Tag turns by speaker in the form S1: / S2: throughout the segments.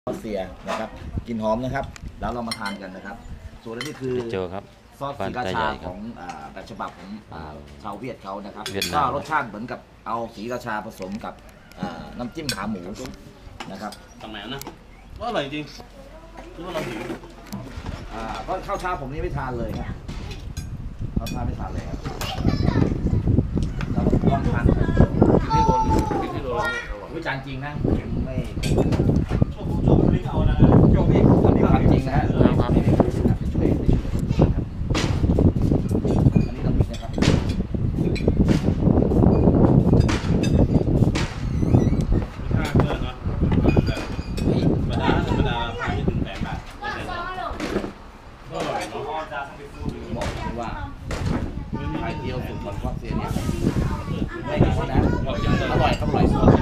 S1: รัสเซียนะครับกลิ่นหอมนะครับแล้วเรามาทานกันนะครับส่วนนี้คือ
S2: เจอครับ
S1: ซอสศรีราชาของแบบฉบับของชาวเวียดเขานะครับก็รสชาติเหมือนกับเอาศรีราชาผสมกับน้ำจิ้มขาหมูนะครับ
S3: ทำไมนะว่าอร่อยจริงคือว่าเราหิว
S1: ก็ข้าวเช้าผมนี่ไม่ทานเลยครับข้าวเช้าไม่ทานเลยครับเราลองทาน
S3: กินที่โดน
S1: วิจารณ์จริงนะไม่
S3: โชว์พริกเอานะโชว์พริก
S1: อันนี้ความจริงนะฮะไม่ได้ช่วยครับอันนี้น้ำพริกนะครับ
S3: ค่าเกินเนาะธรรมดาราคาไม่ถึง8 บาทก็อร่อยเนาะ
S1: บอกเลยว่าไข่เจียวสูตรของครอบเซียเนี่ยไม่มีคนนะอร่อยครับอร่อยสุดว่า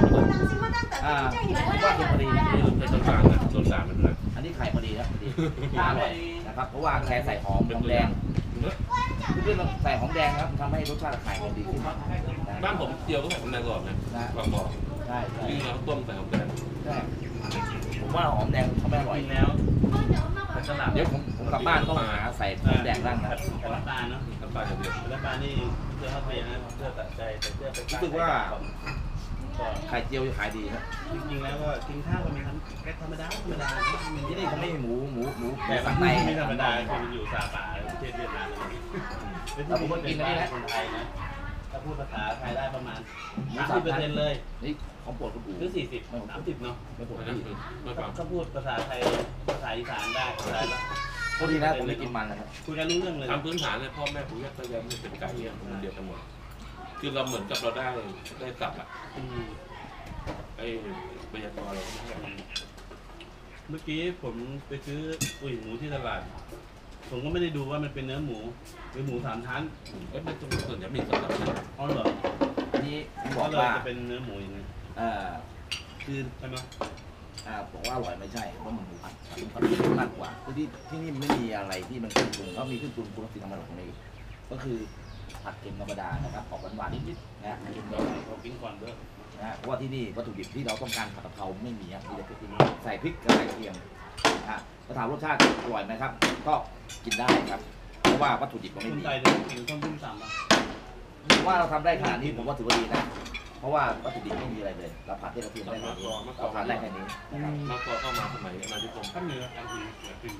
S1: เป็นพอดีนะ
S3: เป็นต้นสารนะต้นสารมันนะ
S1: อันนี้ไข่พอดีนะพอดีอร่อยนะครับเพราะว่าแค่ใส่หอมแดงคือใส่หอมแดงครับทำให้รสชาติไข่มันดีขึ้น
S3: บ้านผมเจียวก็ใส่หอมแดงก่อนนะบางบ่อ
S1: ใช่
S3: ยิ่งเราต้มใส่หอมแดง
S1: ใช่ผมว่าหอมแดงเขาไม่อร่อย
S3: แล้ว
S1: เดี๋ยวผมกลับบ้านต้องหาใส่หอมแดงบ้างนะ
S3: น้ำตาลเนาะน้ำตาลอย่างเดียวน้ำตาลนี่เพื่อเข้าไปนะเพื่อตัดใจแต่เพื่อไป
S1: รู้สึกว่าไข่เจียวจะขายดีนะ
S3: จริงๆแล้วก็กินข้าวกันเป็นแค่ธรรมดา
S1: ที่นี่เขาไม่มีหมู
S3: แต่สังในไม่ธรรมดาคือมันอยู่ซาปาประเทศเวียดนาม
S1: แล้วผมก็กินอันนี้นะ
S3: คนไทยนะถ้าพูดภาษาไทยได้ประมาณ30%เลย
S1: นี่ของโปรดคุณอู๋
S3: หรือ40-30เนาะ
S1: ไม่โปรด
S3: ถ้าพูดภาษาไทยภาษาอีสานได้ได้ละ
S1: พอดีนะผมไม่กินมันนะครับ
S3: คุยกันรู้เรื่องเลยทำพื้นฐานเลยพ่อแม่ปู่ย่าตายายเป็นไก่เนี่ยมันเดียวกันหมดคือเราเหมือนกับเราได้กลับอ่ะไอ้บรรยากาศเราเมื่อกี้ผมไปซื้อหมูที่ตลาดผมก็ไม่ได้ดูว่ามันเป็นเนื้อหมูหรือหมู3 ชั้นเป็นตรงส่วนจะมี3 ชั้นอ๋อเหรอ
S1: อันนี้บอกว่า
S3: จะเป็นเนื้อหมูอย่างนี้
S1: คือ
S3: ใช่ไหม
S1: บอกว่าอร่อยไม่ใช่เพราะมันหมูผัดมากกว่าคือที่นี่ไม่มีอะไรที่มันขึ้นปรุงเขามีขึ้นปรุงสิ่งธรรมดาของนี้ก็คือผัดเค็มธรรมดานะครับออกหวานนิดๆนะกินได้
S3: เราปิ้งก่อนด้วย
S1: นะเพราะว่าที่นี่วัตถุดิบที่เราต้องการผัดกะเพราไม่มีครับมีแต่พริกใส่พริกกับกระเทียมถ้าถามรสชาติอร่อยไหมครับก็กินได้ครับเพราะว่าวัตถุดิบก็ไม่มี
S3: คนไทยจะกินต้มยำ3
S1: ว่าเราทำได้ขนาดนี้ผมว่าถือว่าดีนะเพราะว่าวัตถุดิบไม่มีอะไรเลยเราผัดที่กระเทียมได้แค่นี้เราทานได้แค่นี้
S3: มาก่อเข้ามาสมัยอาณานิคมถ้ามีการกินแบบกิน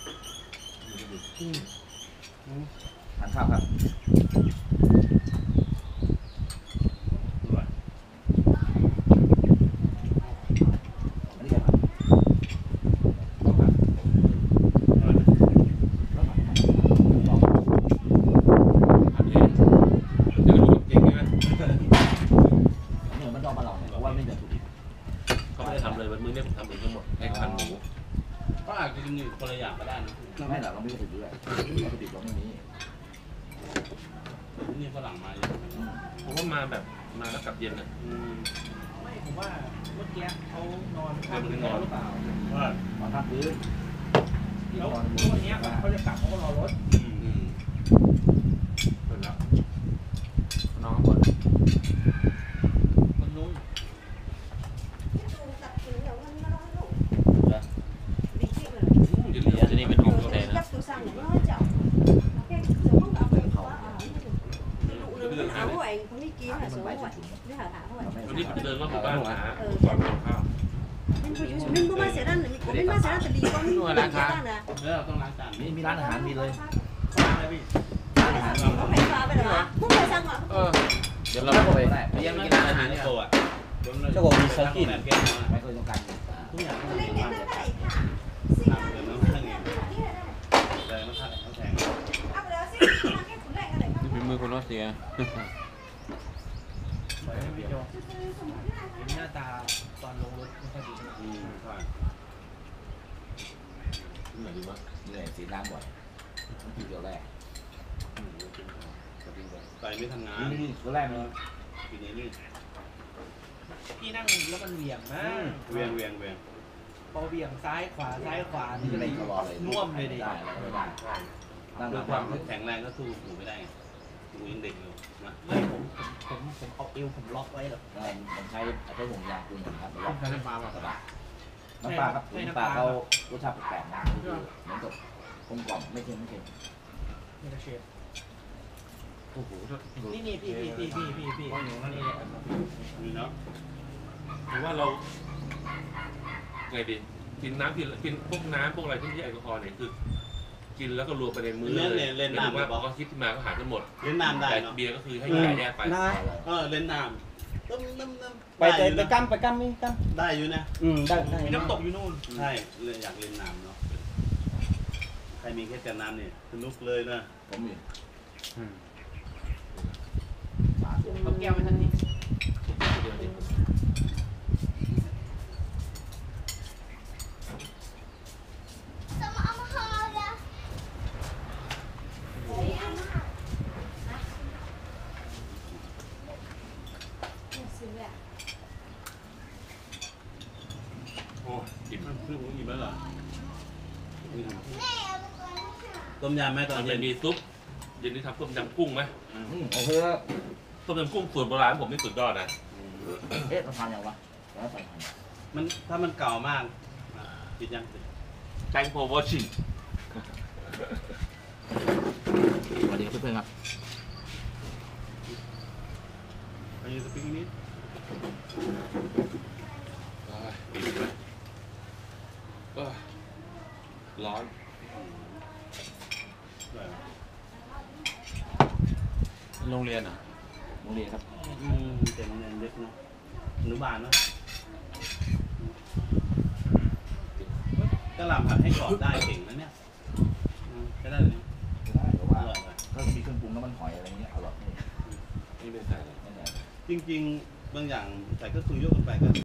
S1: ทานข้าวครับอันนี้ครับมันต้องมาลองเพราะว่าไม่มีวัตถุดิบ
S3: เขาไม่ได้ทำเลยวันมื้อนี้ผมทำเองทั้งหมดให้คันหมูก็อาจจะกินอยู่คนละอย่างก็ได้นะ
S1: ไม่หรอกเราไม่ได้ถือด้วยวัตถุดิบเราไม่มี
S3: นี่ฝรั่งมาเยอะผมว่ามาแบบมาแล้วกลับเย็นอ่ะ
S4: ไม่ผมว่าเมื่อกี้เขานอน
S3: นอนหรือเปล่
S1: นอนทับพื้น
S4: แล้ววันนี้เขาจะกลับเขาก็รอรถ
S3: เป็นแล้วน้องก่อน
S4: มันนุ่ม
S2: จะนี่เป็นของแท้นะ
S3: วันนี้เดินรอบหมู่บ้านหาก่อนทานข้าว
S4: mình mua sẽ ăn mình mua sẽ ăn thì có mình
S3: ล้างจานต้องล้างจาน
S1: มีร้านอาหารมีเลย
S3: ร้านอะไรพี่
S4: ร้านอาหารเขาไม่ฟ้าไปหรอพวกไปสั่งเหรอ
S1: เดี๋ยวเราไป
S3: ไปยังไม่กินร้านอาหารเนี่ยโตอ่ะ
S1: เจ้าของมีซอสกินไม่เคยต้องการ
S3: ทุกอย่างต้องมีมากเลยเดี๋ยวน้ำแข็งเลยน้ำแข็ง
S2: นี่เป็นมือคนรัสเซีย
S4: หน้าตาตอนลงรถไม่ค่อยดี
S3: ใช่เหนื่อยดีวะ
S1: เหนื่อยสีน้ำบ่อยทีเดียวแรก
S3: ใจไม่ทำงาน
S1: นี่ตัวแรกเลย
S3: ปีนี้นี่
S4: พี่นั่งแล้วมันเหวี่ยงมาก
S3: เวียง
S4: พอเหวี่ยงซ้ายขวานี่
S1: อะไรตลอดเลย
S4: น่วมเลยดิ
S1: ได้ไม่ได้
S3: ด้วยความแข็งแรงก็สู้หูไม่ได้หูยังเด็กอยู่นะ
S4: ไม่ผมเอาเอวผมล็อกไว้หรอก
S1: ผมใช้ห่วงยางคุณครับล็อก
S3: ใช้น้ำปลาแบบกระบะ
S1: น้ำปลาครับน้ำปลาเขารสชาติแปลกๆนะคือเหมือนกับกลมกล่อมไม่เค็ม
S5: นี่ก็เชฟ
S2: โอ้โห
S5: นี่พี่ว่าหนูนั่นนี่
S3: นี่เนาะถือว่าเราไงดีกินน้ำกินพวกน้ำพวกอะไรที่ไม่ใช่แอลกอฮอล์เนี่ยคือ กินแล้วก็รวมไปในมื้อเลยเล่นน้ำว่าพอเขาคิดขึ้นมาก็หาทั้งหมด
S6: เล่นน้ำได้
S3: แต่
S6: เนาะ
S3: เบียร์ก็คือให้จ่ายแยกไป
S5: ได้
S6: เล่นน้ำน้ำ
S5: ไปกั้มนี่กั้ม
S6: ได้อยู่นะ
S5: ได้
S7: มีน้ำตกอยู่นู่น
S6: ใช่เลยอยากเล่นน้ำเนาะใครมีแค่แต่น้ำเนี่ยสนุกเลยนะ
S1: ผมมี
S7: เอาแก้วไปทันที
S3: เดี๋ยวดิ โอ้ยอิ่ม
S6: คือผมอิ่มแล้วเหรอต้มยำไหมต
S3: ต
S6: อ
S3: อน น
S6: เย็
S3: เย็
S6: น
S3: นมีซุปเย็นนี้ทำต้มยำกุ้งไหม
S1: โอเคครับ
S3: ต้มยำกุ้งสูตรโบราณผมนี่สุดยอดนะ
S1: เอ๊ะเราทานยังวะแล้วใส่ทาน
S6: มันถ้ามันเก่ามากปิดยัง
S3: Thank for watching
S1: สวัสดีครับเพื่อนๆครับ
S6: อายุสปีกนิด
S3: อิ่มเลยร้อน
S2: โรงเรียนอ่ะ
S1: โรงเรียนครับ
S6: เต็มเงินเล็กเนาะอนุบาลเนาะกระหล่ำผัดให้กรอบได้เก่งนะเนี่ยใช้ได้เลย
S1: ได้แต่ว่า
S6: อร่อยเลย
S1: ถ้ามีเครื่องปรุงน้ำมันหอยอะไรเงี้ยอร่อย
S3: นี่เป็นใส่อะไร
S1: ไม่แน่
S6: จริงๆ บางอย่างใส่ก็คือยกกันไปก็